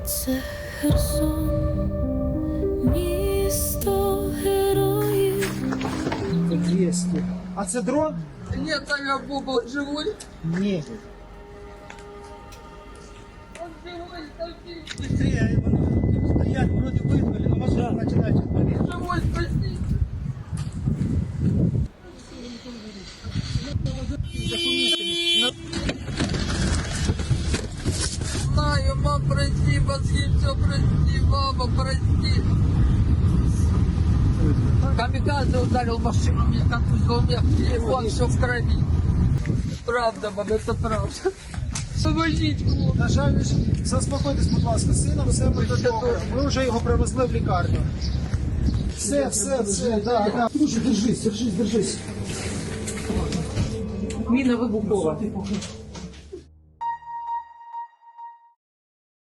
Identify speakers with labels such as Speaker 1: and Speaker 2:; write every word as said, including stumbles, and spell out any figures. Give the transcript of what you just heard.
Speaker 1: Це Херсон, місто героїв.
Speaker 2: двісті. А це дрон?
Speaker 3: Нет, там я Боба живой.
Speaker 2: Ні.
Speaker 3: Он живой, спаси.
Speaker 2: Быстрее, стоять, вроде вызвали, но машина начинает отвалить.
Speaker 3: Живой, спаси. Знаю, мам, прости, мозги, все прости, мама, прости. Камикадзе ударил машину, мне контузил, у меня телефон, все в крови. Правда, мам, это правда. Помогите, мам.
Speaker 2: На жаль, заспокойтесь, будь ласка, з сином все буде добре. Ми вже його привезли в лікарню. Все, все, все, да, да.
Speaker 4: Слушай, держись, держись, держись. Міна вибухова.